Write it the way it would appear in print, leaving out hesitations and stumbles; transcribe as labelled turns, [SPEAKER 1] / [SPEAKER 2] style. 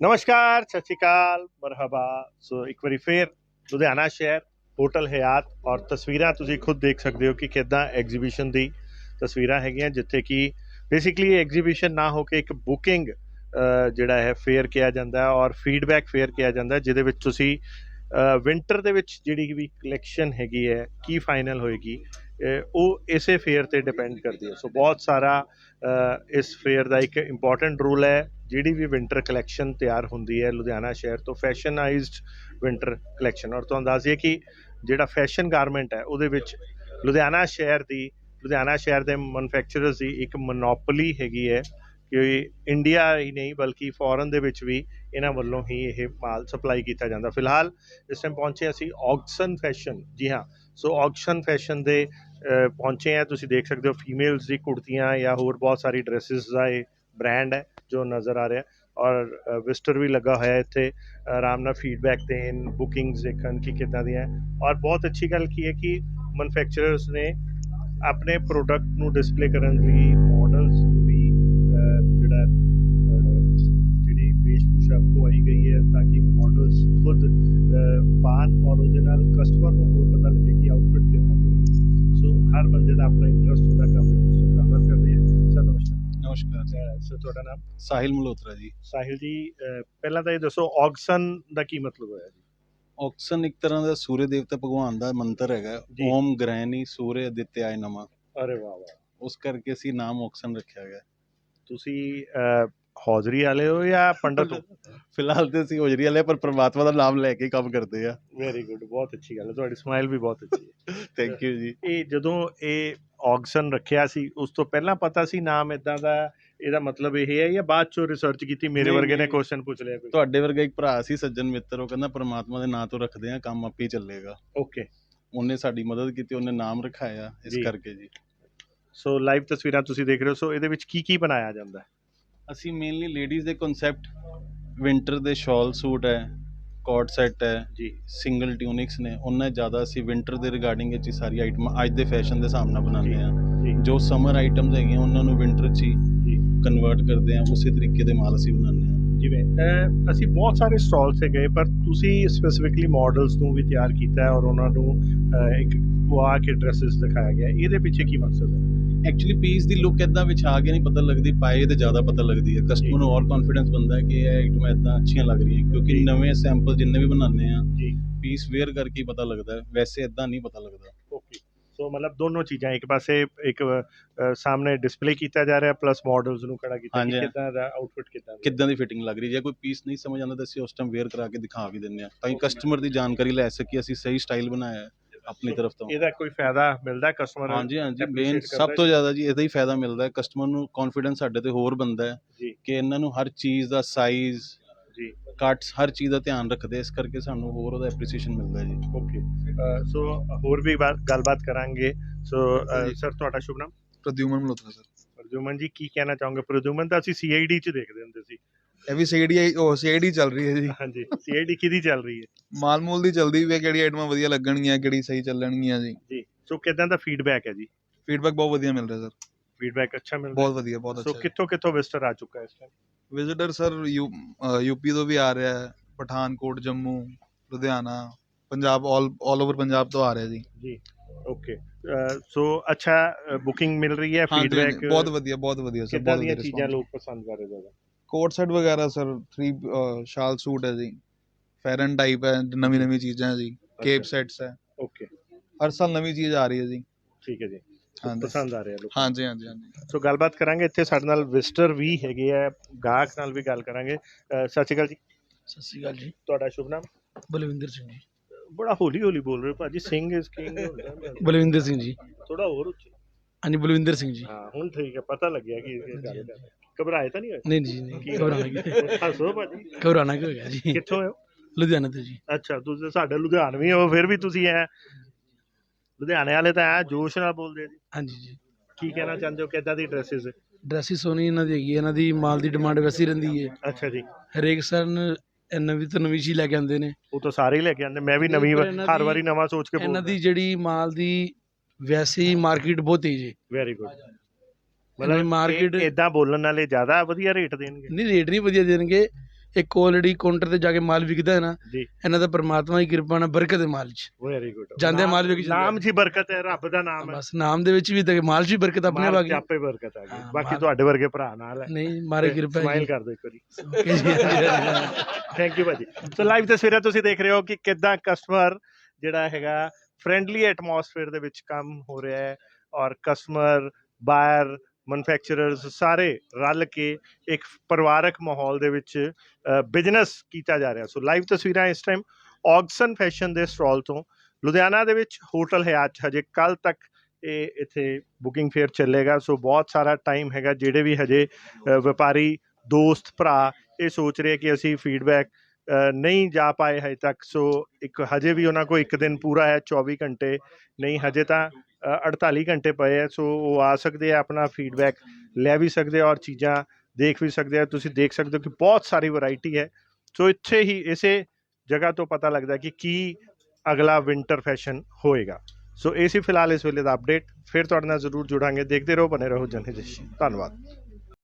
[SPEAKER 1] ਨਮਸਕਾਰ, ਸਤਿ ਸ਼੍ਰੀ ਅਕਾਲ, ਮਰਹਬਾ। ਸੋ ਇੱਕ ਵਾਰੀ ਫੇਰ ਲੁਧਿਆਣਾ ਸ਼ਹਿਰ, ਹੋਟਲ ਹਯਾਤ ਔਰ ਤਸਵੀਰਾਂ ਤੁਸੀਂ ਖੁਦ ਦੇਖ ਸਕਦੇ ਹੋ ਕਿ ਕਿੱਦਾਂ ਐਗਜ਼ੀਬਿਸ਼ਨ ਦੀ ਤਸਵੀਰਾਂ ਹੈਗੀਆਂ, ਜਿੱਥੇ ਕਿ ਬੇਸਿਕਲੀ ਐਗਜ਼ੀਬਿਸ਼ਨ ਨਾ ਹੋ ਕੇ ਇੱਕ ਬੁਕਿੰਗ ਜਿਹੜਾ ਹੈ ਫੇਅਰ ਕਿਹਾ ਜਾਂਦਾ ਔਰ ਫੀਡਬੈਕ ਫੇਅਰ ਕਿਹਾ ਜਾਂਦਾ, ਜਿਹਦੇ ਵਿੱਚ ਤੁਸੀਂ ਵਿੰਟਰ ਦੇ ਵਿੱਚ ਜਿਹੜੀ ਵੀ ਕਲੈਕਸ਼ਨ ਹੈਗੀ ਹੈ ਕੀ ਫਾਈਨਲ ਹੋਏਗੀ ਉਹ ਇਸੇ ਫੇਅਰ 'ਤੇ ਡਿਪੈਂਡ ਕਰਦੀ ਹੈ। ਸੋ ਬਹੁਤ ਸਾਰਾ ਇਸ ਫੇਅਰ ਦਾ ਇੱਕ ਇੰਪੋਰਟੈਂਟ ਰੂਲ ਹੈ। ਜਿਹੜੀ ਵੀ ਵਿੰਟਰ ਕਲੈਕਸ਼ਨ ਤਿਆਰ ਹੁੰਦੀ ਹੈ ਲੁਧਿਆਣਾ ਸ਼ਹਿਰ ਤੋਂ, ਫੈਸ਼ਨਾਈਜ਼ਡ ਵਿੰਟਰ ਕਲੈਕਸ਼ਨ, ਔਰ ਤੁਹਾਨੂੰ ਦੱਸ ਦਈਏ ਕਿ ਜਿਹੜਾ ਫੈਸ਼ਨ ਗਾਰਮੈਂਟ ਹੈ ਉਹਦੇ ਵਿੱਚ ਲੁਧਿਆਣਾ ਸ਼ਹਿਰ ਦੇ ਮੈਨੂਫੈਕਚਰਰਸ ਦੀ ਇੱਕ ਮੋਨੋਪੋਲੀ ਹੈਗੀ ਹੈ ਕਿ ਇੰਡੀਆ ਹੀ ਨਹੀਂ ਬਲਕਿ ਫੋਰਨ ਦੇ ਵਿੱਚ ਵੀ ਇਹਨਾਂ ਵੱਲੋਂ ਹੀ ਇਹ ਮਾਲ ਸਪਲਾਈ ਕੀਤਾ ਜਾਂਦਾ। ਫਿਲਹਾਲ ਇਸ ਟਾਈਮ ਪਹੁੰਚੇ ਅਸੀਂ ਔਕਸਨ ਫੈਸ਼ਨ, ਜੀ ਹਾਂ। ਸੋ ਔਕਸਨ ਫੈਸ਼ਨ ਦੇ ਪਹੁੰਚੇ ਆ। ਤੁਸੀਂ ਦੇਖ ਸਕਦੇ ਹੋ ਫੀਮੇਲਸ ਦੀ ਕੁੜਤੀਆਂ ਜਾਂ ਹੋਰ ਬਹੁਤ ਸਾਰੀ ਡਰੈਸਿਸ ਦਾ ਇਹ ਬ੍ਰਾਂਡ ਹੈ ਜੋ ਨਜ਼ਰ ਆ ਰਿਹਾ, ਔਰ ਵਿਜ਼ਟਰ ਵੀ ਲੱਗਾ ਹੋਇਆ ਇੱਥੇ ਆਰਾਮ ਨਾਲ ਫੀਡਬੈਕ ਦੇਣ, ਬੁਕਿੰਗਸ ਦੇਖਣ ਕਿ ਕਿੱਦਾਂ ਦੀਆਂ। ਔਰ ਬਹੁਤ ਅੱਛੀ ਗੱਲ ਕੀ ਹੈ ਕਿ ਮੈਨੂਫੈਕਚਰਰਸ ਨੇ ਆਪਣੇ ਪ੍ਰੋਡਕਟ ਨੂੰ ਡਿਸਪਲੇ ਕਰਨ ਲਈ ਮਾਡਲਸ ਨੂੰ ਵੀ ਜਿਹੜਾ ਜਿਹੜੀ ਵੇਸ਼ਭੂਸ਼ਾ ਪਵਾਈ ਗਈ ਹੈ ਤਾਂ ਕਿ ਮਾਡਲਸ ਖੁਦ ਪਾਣ ਔਰ ਉਹਦੇ ਨਾਲ ਕਸਟਮਰ ਨੂੰ ਹੋਰ ਪਤਾ ਲੱਗੇ ਕਿ ਆਊਟਫਿਟ ਕਿੱਦਾਂ ਦੀ ਹੈ। ਸੋ ਹਰ ਬੰਦੇ ਦਾ ਆਪਣਾ ਇੰਟਰਸਟ ਹੁੰਦਾ ਕੰਮ ਦੇ ਵਿੱਚ। ਸੋ ਗੱਲਬਾਤ ਕਰਦੇ ਹਾਂ। ਸਰ ਨਮਸਕਾਰ।
[SPEAKER 2] ਨਮਸਕਾਰ
[SPEAKER 1] ਸਰ ਤੁਹਾਡਾ ਨਾਮ?
[SPEAKER 2] ਸਾਹਿਲ ਮਲਹੋਤਰਾ ਜੀ।
[SPEAKER 1] ਸਾਹਿਲ ਜੀ, ਪਹਿਲਾਂ ਤਾਂ ਇਹ ਦੱਸੋ ਔਕਸਨ ਦਾ ਕੀ ਮਤਲਬ ਹੋਇਆ ਜੀ?
[SPEAKER 2] ਔਕਸਨ ਇੱਕ ਤਰ੍ਹਾਂ ਦਾ ਸੂਰਯ ਦੇਵਤਾ ਭਗਵਾਨ ਦਾ ਮੰਤਰ ਹੈਗਾ, ਓਮ ਗ੍ਰਹਿਣੀ ਸੂਰਯ ਅਦਿੱਤਿਆਏ ਨਮः।
[SPEAKER 1] ਅਰੇ ਵਾਹ ਵਾਹ।
[SPEAKER 2] ਉਸ ਕਰਕੇ ਅਸੀਂ ਨਾਮ ਔਕਸਨ ਰੱਖਿਆ ਗਿਆ।
[SPEAKER 1] ਤੁਸੀਂ ਹੌਜ਼ਰੀ ਵਾਲੇ ਹੋ ਜਾਂ ਪੰਡਤ ਹੋ?
[SPEAKER 2] ਫਿਲਹਾਲ ਤੇ ਅਸੀਂ ਹੋਜਰੀ ਵਾਲੇ, ਪਰ ਪ੍ਰਮਾਤਮਾ ਦਾ ਨਾਮ ਲੈ ਕੇ ਕੰਮ ਕਰਦੇ ਆ।
[SPEAKER 1] ਵੈਰੀ ਗੁੱਡ, ਬਹੁਤ ਅੱਛੀ ਗੱਲ ਹੈ। ਤੁਹਾਡੀ ਸਮਾਈਲ ਵੀ ਬਹੁਤ ਅੱਛੀ ਹੈ।
[SPEAKER 2] ਥੈਂਕ ਯੂ ਜੀ।
[SPEAKER 1] ਇਹ ਜਦੋਂ ਇਹ ਔਕਸਨ ਰੱਖਿਆ ਸੀ ਉਸ ਤੋਂ ਪਹਿਲਾਂ ਪਤਾ ਸੀ ਨਾਮ ਇਦਾਂ ਦਾ, ਇਹਦਾ ਮਤਲਬ ਇਹ ਹੈ, ਜਾਂ ਬਾਅਦ ਚੋਂ ਰਿਸਰਚ ਕੀਤੀ, ਮੇਰੇ ਵਰਗੇ ਨੇ ਕੁਐਸਚਨ ਪੁੱਛ ਲਿਆ ਕੋਈ?
[SPEAKER 2] ਤੁਹਾਡੇ ਵਰਗਾ ਇੱਕ ਭਰਾ ਸੀ ਸੱਜਣ ਮਿੱਤਰ, ਉਹ ਕਹਿੰਦਾ ਪ੍ਰਮਾਤਮਾ ਦੇ ਨਾਂ ਤੋਂ ਰੱਖਦੇ ਆ, ਕੰਮ ਆਪੇ ਹੀ ਚੱਲੇਗਾ।
[SPEAKER 1] ਓਕੇ।
[SPEAKER 2] ਉਹਨੇ ਸਾਡੀ ਮਦਦ ਕੀਤੀ, ਉਹਨੇ ਨਾਮ ਰਖਾਇਆ ਇਸ ਕਰਕੇ ਜੀ।
[SPEAKER 1] ਸੋ ਲਾਈਵ ਤਸਵੀਰਾਂ ਤੁਸੀਂ ਦੇਖ ਰਹੇ ਹੋ। ਸੋ ਇਹਦੇ ਵਿੱਚ ਕੀ ਕੀ ਬਣਾਇਆ ਜਾਂਦਾ ਹੈ?
[SPEAKER 2] ਅਸੀਂ ਮੇਨਲੀ ਲੇਡੀਜ਼ ਦੇ ਕਨਸੈਪਟ, ਵਿੰਟਰ ਦੇ ਸ਼ਾਲ ਸੂਟ ਹੈ, ਕੋਟ ਸੈੱਟ ਹੈ
[SPEAKER 1] ਜੀ,
[SPEAKER 2] ਸਿੰਗਲ ਟਿਊਨਿਕਸ ਨੇ, ਉਹਨਾਂ ਜ਼ਿਆਦਾ ਅਸੀਂ ਵਿੰਟਰ ਦੇ ਰਿਗਾਰਡਿੰਗ ਵਿੱਚ ਹੀ ਸਾਰੀ ਆਈਟਮਾਂ ਅੱਜ ਦੇ ਫੈਸ਼ਨ ਦੇ ਹਿਸਾਬ ਨਾਲ ਬਣਾਉਂਦੇ ਹਾਂ। ਜੋ ਸਮਰ ਆਈਟਮਸ ਹੈਗੀਆਂ ਉਹਨਾਂ ਨੂੰ ਵਿੰਟਰ 'ਚ ਹੀ ਕਨਵਰਟ ਕਰਦੇ ਹਾਂ, ਉਸੇ ਤਰੀਕੇ ਦੇ ਮਾਲ ਅਸੀਂ ਬਣਾਉਂਦੇ ਹਾਂ।
[SPEAKER 1] ਜਿਵੇਂ ਅਸੀਂ ਬਹੁਤ ਸਾਰੇ ਸਟਾਲ 'ਤੇ ਗਏ, ਪਰ ਤੁਸੀਂ ਸਪੈਸੀਫਿਕਲੀ ਮਾਡਲਸ ਨੂੰ ਵੀ ਤਿਆਰ ਕੀਤਾ ਹੈ ਔਰ ਉਹਨਾਂ ਨੂੰ ਇੱਕ ਪਵਾ ਕੇ ਡਰੈਸਿਸ ਦਿਖਾਇਆ ਗਿਆ। ਇਹਦੇ ਪਿੱਛੇ ਕੀ ਮਕਸਦ ਹੈ?
[SPEAKER 2] ਐਕਚੁਅਲੀ ਪੀਸ ਦੀ ਲੁੱਕ ਇੱਦਾਂ ਵਿਛਾ ਕੇ ਨਹੀਂ ਪਤਾ ਲੱਗਦੀ, ਪਾਏ ਤੇ ਜ਼ਿਆਦਾ ਪਤਾ ਲੱਗਦੀ ਹੈ। ਕਸਟਮਰ ਨੂੰ ਹੋਰ ਕੌਨਫੀਡੈਂਸ ਬਣਦਾ ਹੈ ਕਿ ਇਹ ਆਈਟਮਾਂ ਇੱਦਾਂ ਅੱਛੀਆਂ ਲੱਗ ਰਹੀਆਂ, ਕਿਉਂਕਿ ਨਵੇਂ ਸੈਂਪਲ ਜਿੰਨੇ ਵੀ ਬਣਾਉਂਦੇ ਆ ਪੀਸ ਵੇਅਰ ਕਰਕੇ ਹੀ ਪਤਾ ਲੱਗਦਾ ਹੈ, ਵੈਸੇ ਇੱਦਾਂ ਨਹੀਂ ਪਤਾ ਲੱਗਦਾ।
[SPEAKER 1] ਓਕੇ। ਸੋ ਮਤਲਬ ਦੋਨੋਂ ਚੀਜ਼ਾਂ, ਇੱਕ ਪਾਸੇ ਇੱਕ ਸਾਹਮਣੇ ਡਿਸਪਲੇ ਕੀਤਾ ਜਾ ਰਿਹਾ, ਪਲੱਸ ਮਾਡਲਸ ਨੂੰ ਖੜਾ ਕੀਤਾ ਕਿ ਕਿੱਦਾਂ ਦਾ ਆਊਟਫਿਟ ਕਿੱਦਾਂ ਦੀ
[SPEAKER 2] ਫਿਟਿੰਗ ਲੱਗ ਰਹੀ। ਜੇ ਕੋਈ ਪੀਸ ਨਹੀਂ ਸਮਝ ਆਉਂਦਾ ਤਾਂ ਅਸੀਂ ਉਸ ਟਾਈਮ ਵੇਅਰ ਕਰਾ ਕੇ ਦਿਖਾ ਵੀ ਦਿੰਦੇ ਹਾਂ, ਤਾਂ ਕਿ ਕਸਟਮਰ ਦੀ ਜਾਣਕਾਰੀ ਲੈ ਸਕੀਏ ਅਸੀਂ ਸਹੀ ਸਟਾਈਲ ਬਣਾਇਆ ਆਪਣੀ ਤਰਫ ਤੋਂ।
[SPEAKER 1] ਇਹਦਾ ਕੋਈ ਫਾਇਦਾ ਮਿਲਦਾ ਕਸਟਮਰ?
[SPEAKER 2] ਹਾਂਜੀ, ਮੇਨ ਸਭ ਤੋਂ ਜ਼ਿਆਦਾ ਜੀ ਇਹਦਾ ਹੀ ਫਾਇਦਾ ਮਿਲਦਾ ਹੈ। ਕਸਟਮਰ ਨੂੰ ਕੌਨਫੀਡੈਂਸ ਸਾਡੇ ਤੇ ਹੋਰ ਬਣਦਾ ਹੈ ਕਿ ਇਹਨਾਂ ਨੂੰ ਹਰ ਚੀਜ਼ ਦਾ ਸਾਈਜ਼, ਕੱਟਸ, ਹਰ ਚੀਜ਼ ਦਾ ਧਿਆਨ ਰੱਖਦੇ, ਇਸ ਕਰਕੇ ਸਾਨੂੰ ਹੋਰ ਉਹਦਾ ਐਪਰੀਸੀਏਸ਼ਨ ਮਿਲਦਾ ਜੀ।
[SPEAKER 1] ਓਕੇ। ਸੋ ਹੋਰ ਵੀ ਗੱਲਬਾਤ ਕਰਾਂਗੇ। ਸੋ ਸਰ ਤੁਹਾਡਾ ਸ਼ੁਭ ਨਾਮ?
[SPEAKER 3] ਪ੍ਰਦਿਊਮਨ ਮਲਹੋਤਰਾ ਸਰ।
[SPEAKER 1] ਪ੍ਰਦਿਊਮਨ ਜੀ, ਕੀ ਕਹਿਣਾ ਚਾਹੋਗੇ? ਪ੍ਰਦਿਊਮਨ ਤਾਂ ਅਸੀਂ CID 'ਚ ਦੇਖਦੇ ਹੁੰਦੇ ਸੀ।
[SPEAKER 3] ਇਹ ਵੀ CID ਚੱਲ ਰਹੀ ਹੈ ਜੀ।
[SPEAKER 1] ਹਾਂਜੀ, CID ਕਿਹਦੀ ਚੱਲ ਰਹੀ ਹੈ?
[SPEAKER 3] ਮਾਲ ਮੂਲ ਦੀ ਚੱਲਦੀ ਵੀ ਹੈ, ਕਿਹੜੀ ਆਈਟਮਾਂ ਵਧੀਆ ਲੱਗਣਗੀਆਂ, ਕਿਹੜੀ ਸਹੀ ਚੱਲਣਗੀਆਂ ਜੀ।
[SPEAKER 1] ਸੋ ਕਿੱਦਾਂ ਦਾ ਫੀਡਬੈਕ ਹੈ ਜੀ?
[SPEAKER 3] ਫੀਡਬੈਕ ਬਹੁਤ ਵਧੀਆ ਮਿਲ ਰਿਹਾ ਸਰ।
[SPEAKER 1] ਫੀਡਬੈਕ ਅੱਛਾ ਮਿਲ ਰਿਹਾ?
[SPEAKER 3] ਬਹੁਤ ਵਧੀਆ, ਬਹੁਤ ਅੱਛਾ।
[SPEAKER 1] ਸੋ ਕਿੱਥੋਂ ਵਿਜ਼ਟਰ ਆ ਚੁੱਕਾ ਹੈ ਇਸ ਟਾਈਮ?
[SPEAKER 3] ਵਿਜ਼ਿਟਰ ਸਰ UP ਤੋਂ ਵੀ ਆ ਰਿਹਾ ਹੈ, ਪਠਾਨਕੋਟ, ਜੰਮੂ, ਲੁਧਿਆਣਾ, ਪੰਜਾਬ, ਆਲ ਓਵਰ ਪੰਜਾਬ ਤੋਂ ਆ ਰਿਹਾ ਜੀ।
[SPEAKER 1] ਓਕੇ। ਸੋ ਅੱਛਾ ਬੁਕਿੰਗ ਮਿਲ ਰਹੀ ਹੈ? ਫੀਡਬੈਕ
[SPEAKER 3] ਬਹੁਤ ਵਧੀਆ ਸਰ।
[SPEAKER 1] ਕਿੱਦਾਂ ਦੀਆਂ ਚੀਜ਼ਾਂ ਲੋਕ ਪਸੰਦ ਕਰ ਰਹੇ ਜ਼ਿਆਦਾ?
[SPEAKER 3] ਕੋਟ ਸੈਟ ਵਗੈਰਾ ਸਰ, 3 ਸ਼ਾਲ ਸੂਟ ਹੈ ਜੀ, ਫੈਰਨ ਟਾਈਪ ਹੈ, ਨਵੀਂ ਚੀਜ਼ਾਂ ਜੀ, ਕੇਪ ਸੈਟਸ ਹੈ।
[SPEAKER 1] ਓਕੇ।
[SPEAKER 3] ਹਰ ਸਾਲ ਨਵੀਂ ਚੀਜ਼ ਆ ਰਹੀ ਹੈ ਜੀ।
[SPEAKER 1] ਠੀਕ ਹੈ ਜੀ, ਪਸੰਦ ਆ ਰਿਹਾ ਲੋਕ?
[SPEAKER 3] ਹਾਂਜੀ।
[SPEAKER 1] ਸੋ ਗੱਲਬਾਤ ਕਰਾਂਗੇ। ਇੱਥੇ ਸਾਡੇ ਨਾਲ ਵਿਜ਼ਟਰ ਵੀ ਹੈਗੇ ਆ, ਗਾਹਕ ਨਾਲ ਵੀ ਗੱਲ ਕਰਾਂਗੇ। ਸਤਿ ਸ਼੍ਰੀ ਅਕਾਲ ਜੀ।
[SPEAKER 4] ਸਤਿ ਸ਼੍ਰੀ ਅਕਾਲ ਜੀ।
[SPEAKER 1] ਤੁਹਾਡਾ ਸ਼ੁਭ ਨਾਮ?
[SPEAKER 4] ਬਲਵਿੰਦਰ ਸਿੰਘ ਜੀ।
[SPEAKER 1] ਬੜਾ ਹੌਲੀ ਬੋਲ ਰਹੇ ਹੋ ਭਾਜੀ। Singh is king.
[SPEAKER 4] ਬਲਵਿੰਦਰ ਸਿੰਘ ਜੀ।
[SPEAKER 1] ਥੋੜਾ ਹੋਰ ਉੱਚੀ।
[SPEAKER 4] ਹਾਂਜੀ, ਬਲਵਿੰਦਰ ਸਿੰਘ ਜੀ।
[SPEAKER 1] ਹਾਂ, ਹੁਣ ਠੀਕ ਹੈ, ਪਤਾ ਲੱਗਿਆ ਕਿ ਗੱਲ ਕਰ ਰਹੇ। ਘਬਰਾਏ ਤਾਂ ਨਹੀਂ ਹੋਏ?
[SPEAKER 4] ਨਹੀਂ ਜੀ, ਨਹੀਂ ਘਬਰਾਣਾ।
[SPEAKER 1] ਹੱਸੋ ਭਾਜੀ।
[SPEAKER 4] ਘਬਰਾਣਾ ਕੀ ਹੋਇਆ ਜੀ?
[SPEAKER 1] ਕਿੱਥੋਂ ਹੋ?
[SPEAKER 4] ਲੁਧਿਆਣਾ ਤੋਂ ਜੀ।
[SPEAKER 1] ਅੱਛਾ, ਤੁਸੀਂ ਸਾਡੇ ਲੁਧਿਆਣਵੀ ਹੋ, ਫਿਰ ਵੀ ਤੁਸੀਂ ਲੁਧਿਆਣੇ ਵਾਲੇ ਤਾਂ ਜੋਸ਼ ਨਾਲ ਬੋਲਦੇ ਆ ਜੀ।
[SPEAKER 4] ਹਾਂਜੀ ਜੀ।
[SPEAKER 1] ਕੀ ਕਹਿਣਾ ਚਾਹੁੰਦੇ ਹੋ? ਕਿੱਦਾਂ ਦੀ ਡਰੈਸਿਸ?
[SPEAKER 4] ਡਰੈਸਿਸ ਸੋਹਣੀ ਇਹਨਾਂ ਦੀ ਹੈਗੀ, ਇਹਨਾਂ ਦੀ ਮਾਲ ਦੀ ਡਿਮਾਂਡ ਵੈਸੀ ਰਹਿੰਦੀ ਹੈ।
[SPEAKER 1] ਅੱਛਾ ਜੀ।
[SPEAKER 4] ਹਰੇਕ ਸਨ ਨਵੀਂ ਤੋਂ ਨਵੀਂ ਚੀਜ਼ ਲੈ ਕੇ ਆਉਂਦੇ ਨੇ।
[SPEAKER 1] ਉਹ ਤਾਂ ਸਾਰੇ ਹੀ ਲੈ ਕੇ ਆਉਂਦੇ, ਮੈਂ ਵੀ ਨਵੀਂ ਹਰ ਵਾਰੀ ਨਵਾਂ ਸੋਚ ਕੇ।
[SPEAKER 4] ਇਹਨਾਂ ਦੀ ਜਿਹੜੀ ਮਾਲ ਦੀ ਵੈਸੀ ਮਾਰਕੀਟ ਬਹੁਤ ਤੇਜ਼ ਹੈ।
[SPEAKER 1] Very good.
[SPEAKER 4] ਮਤਲਬ ਮਾਰਕੀਟ
[SPEAKER 1] ਇਦਾਂ ਬੋਲਣ ਵਾਲੇ ਜ਼ਿਆਦਾ ਵਧੀਆ ਰੇਟ ਦੇਣਗੇ?
[SPEAKER 4] ਨਹੀਂ, ਰੇਟ ਨਹੀਂ ਵਧੀਆ ਦੇਣਗੇ, ਇੱਕ ਆਲਰੇਡੀ ਕਾਊਂਟਰ ਤੇ ਜਾ ਕੇ ਮਾਲ ਵਿਕਦਾ ਹੈ ਨਾ,
[SPEAKER 1] ਜੀ
[SPEAKER 4] ਇਹਨਾਂ ਦਾ ਪਰਮਾਤਮਾ ਦੀ ਕਿਰਪਾ ਨਾਲ ਬਰਕਤ ਹੈ ਮਾਲ 'ਚ।
[SPEAKER 1] ਵੈਰੀ ਗੁੱਡ
[SPEAKER 4] ਜਾਂਦੇ ਮਾਲ ਵਿਕ ਜਾਂਦਾ
[SPEAKER 1] ਨਾਮ 'ਚ ਹੀ ਬਰਕਤ ਹੈ, ਰੱਬ ਦਾ ਨਾਮ ਹੈ,
[SPEAKER 4] ਬਸ ਨਾਮ ਦੇ ਵਿੱਚ ਵੀ ਤੇ ਮਾਲ 'ਚ ਵੀ ਬਰਕਤ ਆਪਣੇ
[SPEAKER 1] ਮਾਲ
[SPEAKER 4] ਆ
[SPEAKER 1] 'ਚ
[SPEAKER 4] ਗਈ।
[SPEAKER 1] ਆਪੇ ਬਰਕਤ ਆ ਗਈ।
[SPEAKER 4] ਹਾਂ,
[SPEAKER 1] ਬਾਕੀ
[SPEAKER 4] ਮਾਲ-
[SPEAKER 1] ਤੁਹਾਡੇ ਵਰਗੇ ਭਰਾ ਨਾਲ ਹੈ,
[SPEAKER 4] ਨਹੀਂ ਮਾਰੇ ਕਿਰਪਾ ਹੈ
[SPEAKER 1] ਸਮਾਈਲ
[SPEAKER 4] ਜੀ।
[SPEAKER 1] ਕਰ ਦਿਓ ਇੱਕ ਵਾਰੀ।
[SPEAKER 4] Okay ਜੀ।
[SPEAKER 1] ਥੈਂਕ ਯੂ ਭਾਜੀ। ਸੋ ਲਾਈਵ ਤਸਵੀਰਾਂ ਤੁਸੀਂ ਦੇਖ ਰਹੇ ਹੋ ਕਿ ਕਿੱਦਾਂ ਕਸਟਮਰ ਜਿਹੜਾ ਹੈਗਾ ਫ੍ਰੈਂਡਲੀ ਐਟਮੋਸਫੇਅਰ ਦੇ ਵਿੱਚ ਕੰਮ ਹੋ ਰਿਹਾ ਹੈ, ਔਰ ਕਸਟਮਰ ਬਾਇਰ ਮੈਨੂਫੈਕਚਰਰਸ ਸਾਰੇ ਰਲ ਕੇ ਇੱਕ ਪਰਿਵਾਰਕ ਮਾਹੌਲ ਦੇ ਵਿੱਚ ਬਿਜ਼ਨਸ ਕੀਤਾ ਜਾ ਰਿਹਾ। ਸੋ ਲਾਈਵ ਤਸਵੀਰਾਂ ਇਸ ਟਾਈਮ ਔਗਸਨ ਫੈਸ਼ਨ ਦੇ ਸਟਾਲ ਤੋਂ ਲੁਧਿਆਣਾ ਦੇ ਵਿੱਚ ਹੋਟਲ ਹਯਾਤ 'ਚ ਹਜੇ ਕੱਲ੍ਹ ਤੱਕ ਇਹ ਇੱਥੇ ਬੁਕਿੰਗ ਫੇਅਰ ਚੱਲੇਗਾ। ਸੋ ਬਹੁਤ ਸਾਰਾ ਟਾਈਮ ਹੈਗਾ। ਜਿਹੜੇ ਵੀ ਹਜੇ ਵਪਾਰੀ ਦੋਸਤ ਭਰਾ ਇਹ ਸੋਚ ਰਹੇ ਕਿ ਅਸੀਂ ਫੀਡਬੈਕ ਨਹੀਂ ਜਾ ਪਾਏ ਹਜੇ ਤੱਕ, ਸੋ ਇੱਕ ਹਜੇ ਵੀ ਉਹਨਾਂ ਕੋਲ ਇੱਕ ਦਿਨ ਪੂਰਾ ਹੈ, 24 ਘੰਟੇ ਨਹੀਂ, ਹਜੇ ਤਾਂ 48 ਘੰਟੇ ਪਏ ਹੈ। ਸੋ ਉਹ ਆ ਸਕਦੇ ਆ, ਆਪਣਾ ਫੀਡਬੈਕ ਲੈ ਵੀ ਸਕਦੇ ਆ ਔਰ ਚੀਜ਼ਾਂ ਦੇਖ ਵੀ ਸਕਦੇ ਆ। ਤੁਸੀਂ ਦੇਖ ਸਕਦੇ ਹੋ ਕਿ ਬਹੁਤ ਸਾਰੀ ਵੈਰਾਈਟੀ ਹੈ। ਸੋ ਇੱਥੇ ਹੀ ਇਸੇ ਜਗ੍ਹਾ ਤੋਂ ਪਤਾ ਲੱਗਦਾ ਕਿ ਕੀ ਅਗਲਾ ਵਿੰਟਰ ਫੈਸ਼ਨ ਹੋਏਗਾ। ਸੋ ਇਹ ਸੀ ਫਿਲਹਾਲ ਇਸ ਵੇਲੇ ਦਾ ਅਪਡੇਟ। ਫਿਰ ਤੁਹਾਡੇ ਨਾਲ ਜ਼ਰੂਰ ਜੁੜਾਂਗੇ। ਦੇਖਦੇ ਰਹੋ, ਬਨੇ ਰਹੋ ਜਨ ਹਿਤੈਸ਼ੀ। ਧੰਨਵਾਦ।